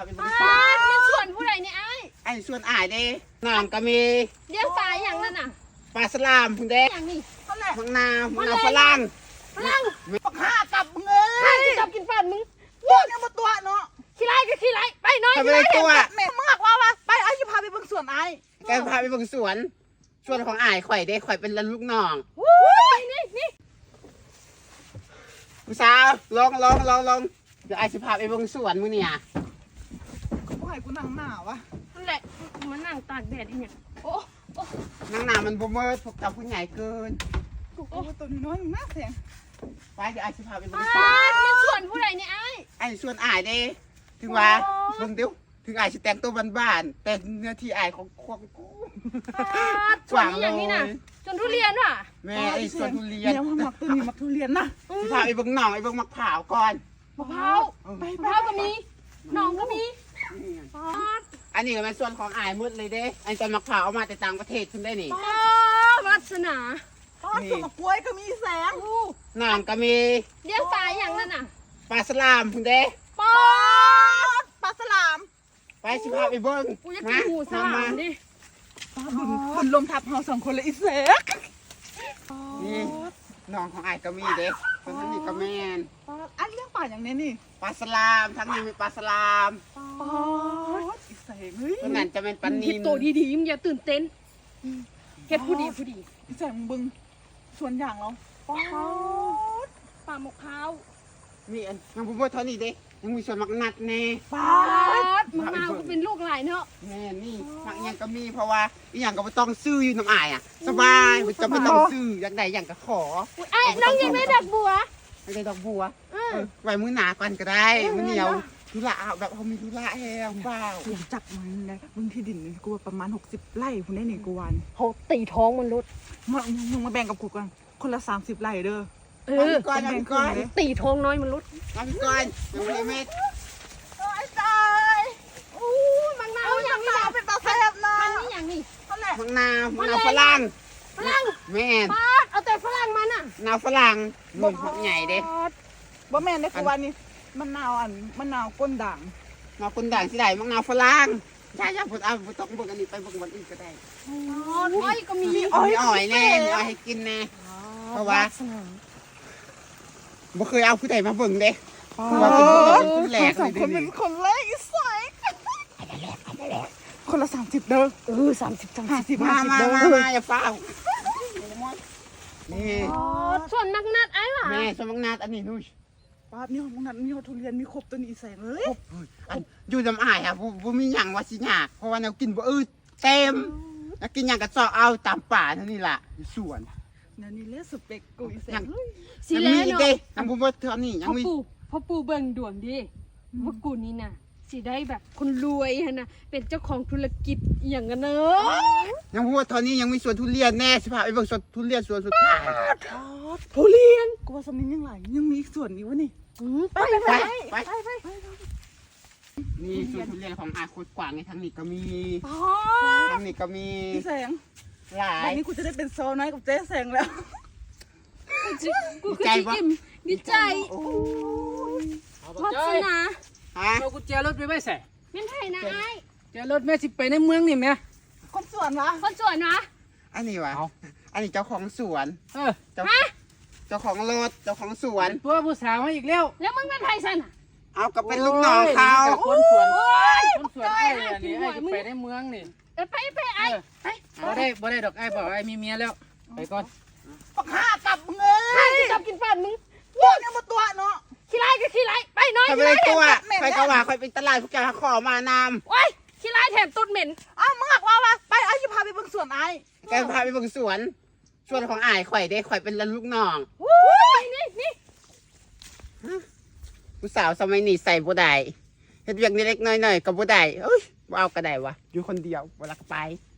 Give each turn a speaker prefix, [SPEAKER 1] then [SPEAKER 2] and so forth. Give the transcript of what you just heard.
[SPEAKER 1] ไปบริษัท
[SPEAKER 2] มันส่วนผู้ใดเนี่ย
[SPEAKER 1] ไอ้ส่วนอ้ายเด้น้ำก็มี
[SPEAKER 2] เลี้ยงปลาอย่างนั้นน่ะ
[SPEAKER 1] ปลาสลามพุ่นเด้
[SPEAKER 2] อย่างนี้
[SPEAKER 1] มังนาวมังนาวฝรั่ง
[SPEAKER 3] ปักห้ากับมึงเอ้ย
[SPEAKER 2] ชอบกินฟันมึง
[SPEAKER 3] พูดเนี่ยมาตัวเนาะ
[SPEAKER 2] ขี้ไล่ก็ขี้ไล่ไปน้อย
[SPEAKER 1] ไปเลยตัว
[SPEAKER 3] แม่มึงบอกว่าไปไอ้จะพาไปเบิ่งสวนไอ้
[SPEAKER 1] แกพาไปเบิ่งสวนของอ้ายข่อยเด้ข่อยเป็นลูกน้อง
[SPEAKER 2] นี่
[SPEAKER 1] ผู้สาวลงเดี๋ยวอ้ายสิพาไปเบิ่งสวนมื้อเนี่ย
[SPEAKER 3] กูให้กูนั่งหนาวะ
[SPEAKER 2] นั่นแหละมันนั่งตากแดดอีเนี่ยโอ้
[SPEAKER 1] นั่งหนามันบ่เมิดพวกเจ้าผู้ใหญ่เกิน
[SPEAKER 3] กูตัวน้อยน่าเสียง
[SPEAKER 1] ไปเดี๋ยวอ้ายสิพาไปเบิ่งสวน
[SPEAKER 2] มันส่วนผู้ใดเนี่ย
[SPEAKER 1] ไอ้ส่วนอ้ายเด้ถึงว่าเบิ่งเดี๋ยวถึงอ้ายสิแต่งตัวบ้านๆแต่เนื้อที่อ้ายของกู
[SPEAKER 2] ส่วนนี้อย่างนี้น่ะจนทุเรียนว่ะ
[SPEAKER 1] แม่ไอ้ส่วนทุเรียน
[SPEAKER 3] เนี่ยมักตัวนี้มักทุเรียนนะ
[SPEAKER 1] สิพาไปเบิ่งหนองไอ้เบิ่งมะพร้าวก่อน
[SPEAKER 2] มะพร้าวก็มีหนองก็มี
[SPEAKER 1] อันนี้ก็เป็นส่วนของอ้ายหมดเลยเด้อันต้นมะพร้าวเอามาแต่ต่างประเทศขึ้นได้นี่
[SPEAKER 2] วัสนา
[SPEAKER 3] สวนกล้วยก็มีแสง
[SPEAKER 1] น้ำก็มี
[SPEAKER 2] เลี้ยงปลาอย่างนั้นน่ะ
[SPEAKER 1] ปลาสลามพุ่นเด้
[SPEAKER 3] ปลาสลาม
[SPEAKER 1] ไปสิพาไปเบิ่ง
[SPEAKER 2] กูจะกินหูสลามดิ
[SPEAKER 3] บุญลมทับเฮาสองคนเลยอีเสก
[SPEAKER 1] นี่น้องของอ้ายก็มีเด้ส่วนนี้ก็แม่น
[SPEAKER 3] อันเลี้ยงปลาอย่างนี้นี่
[SPEAKER 1] ปลาสลามทั้งนี้มีปลาสลาม
[SPEAKER 3] อีเสกเฮ้ย
[SPEAKER 1] ตัวนั้นจะเป็นปลานิล
[SPEAKER 2] โตดีๆมึงอย่าตื่นเต้นเฮ็ดผู้ดี
[SPEAKER 3] อีเสกมึงบึงสวนอย่างเรา
[SPEAKER 2] ปลาหมกพร้าว
[SPEAKER 1] มีอันยังบ่เท่านี้เด้ยังมีส่วนมักนัดแน่
[SPEAKER 2] ปลาหมกนาวก็เป็นลูกหลายเนาะ
[SPEAKER 1] แม่นี่มักยังก็มีเพราะว่าอีหยังก็บ่ต้องซื้ออยู่น้ำอ้ายอ่ะสบายบ่จำเป็นต้องซื้ออยากได้หยังก็ขอ
[SPEAKER 2] ไอ้น้องยังได้ดอกบัว
[SPEAKER 1] ไม่ได้ดอกบัวไว้มื้อหน้าก่อนก็ได้มื้อเหนียวธุระแบบเขามีธุระแฮงเปล่า
[SPEAKER 3] จับมันนะมึงที่ดินนี่กูประมาณ60 ไร่คุณได้นี่กูวัน
[SPEAKER 2] เขาตีท้องมันลด
[SPEAKER 3] มึงมาแบ่งกับกูกันคนละ30 ไร่เด้อ
[SPEAKER 1] ก่อน
[SPEAKER 2] ตีท้องน้อยมันลด
[SPEAKER 1] มาพี่ก่อนยังไม่เม็ด
[SPEAKER 3] ไอ้ตาย
[SPEAKER 2] มังนาวอย่างนี้
[SPEAKER 3] เป็นปลาแซ่บนะ
[SPEAKER 2] มันนี่อย่างนี้
[SPEAKER 1] มังนาวฝรั่งแม่
[SPEAKER 2] เอาแต่ฝรั่งมันอ่ะ
[SPEAKER 1] นาวฝรั่งนุ่มใหญ่เด้
[SPEAKER 3] บ่แม่นได้กูวันนี้มันนาวก้นด่าง
[SPEAKER 1] นาวก้นด่างที่ไหนมังนาวฝรั่งย่าๆผมเอาต้องเบิ่งอันนี้ไปเบิ่งวันอื่นก็ได้
[SPEAKER 2] อ้อยก็มี
[SPEAKER 1] อ้อยแน่อ้อยให้กินแน่เพราะว่าบ่เคยเอาผู้ใดมาเบิ่งเด้คือว่าเป็นคนแรกเลย
[SPEAKER 3] คนเป็นคนแรกอีสายคนละ30เด้อ
[SPEAKER 2] 30
[SPEAKER 3] 50
[SPEAKER 1] มาอย่าเฝ้านี่
[SPEAKER 2] ส่วนนัดไอ้หว่า
[SPEAKER 1] แม่ส่วนนัดอันนี้นู่น
[SPEAKER 3] ป้านี่ของนัดมีทุเรียนมีครบตัวนี้แสงเลย
[SPEAKER 1] อยู่จำอ้ายอ่ะบ่มีหยังว่าสิยากเพราะว่าแนวกินบ่เต็มแล้วกินหยังก็ซอกเอาตามป่าเท่านี้ล่ะอยู่สวน
[SPEAKER 3] นี่เลสสเปกกูอีแสง
[SPEAKER 2] สิแล้วเนาะ
[SPEAKER 1] ยังบ่เท่านี้ยังมี
[SPEAKER 2] พ่อปู่เบิ่งดวงดิว่ากูนี่น่ะสิได้แบบคนรวยฮะนะเป็นเจ้าของธุรกิจอย่างกันเนอะ
[SPEAKER 1] ยังพูดตอนนี้ยังมีสวนทุเรียนแน่สิพาไปเบิ่งสวนทุเรียนสวนสุดท้าย
[SPEAKER 3] ทุเรียนกูว่าสมิงยังไหลยังมีอีกส่วนนี้วะนี่
[SPEAKER 2] ไป
[SPEAKER 1] นี่สวนทุเรียนของอาโคตรกว้างในทางนี้ก็มีทางนี้ก็มี
[SPEAKER 3] แสง
[SPEAKER 1] หลาย
[SPEAKER 3] วันนี้กูจะได้เป็นโซน้อยกับเจ๊แสงแล้ว
[SPEAKER 2] กูคือดีใจวัฒนา
[SPEAKER 4] เรากุญแจรถไปไม่ใส่
[SPEAKER 2] ไม่ใช่นะไอ้
[SPEAKER 4] แจรถแม่สิไปในเมืองนี่แม่
[SPEAKER 3] คนสวนวะ
[SPEAKER 1] อันนี้วะอันนี้เจ้าของสวนเจ้าของรถเจ้าของสวน
[SPEAKER 4] ตัวผู้สาวมาอีกแล้ว
[SPEAKER 2] มึงเป็นไทยสัน
[SPEAKER 1] เอากับเป็นลูกน้องเขา
[SPEAKER 4] คนสวนไอ้อันนี้ไอ้ไปในเมืองนี่
[SPEAKER 2] ไปไอ้
[SPEAKER 4] บ่ได้ดอกไอ้บอกไอ้มีเมียแล้วไปก่อน
[SPEAKER 3] ปักห้ากับมึงเอ้ย
[SPEAKER 2] จับกินฟันมึง
[SPEAKER 3] พูดเนี่ยมาตัวเนาะ
[SPEAKER 2] ขี้ไล่ก็ขี้ไล่ไปน้อย
[SPEAKER 1] ไปเลยตัวไปกว่าไปเป็นตลาดพวกแกขอมานำ
[SPEAKER 2] โอ้ยขี้ไล่แถมต้นเหม็น
[SPEAKER 3] มึงบอกว่าไปไอ้จะพาไปเบิ่งสวนไอ้
[SPEAKER 1] แกพาไปเบิ่งสวนของอ้ายข่อยเด้ข่อยเป็นลูกน้อง
[SPEAKER 2] นี่
[SPEAKER 1] ผู้สาวสมัยนี้ใส่บ่ได้เฮ็ดเวียกเล็กๆน้อยๆก็บ่ได้เอ้ยบ่เอาก็ได้วะอยู่คนเดียวบ่รักไป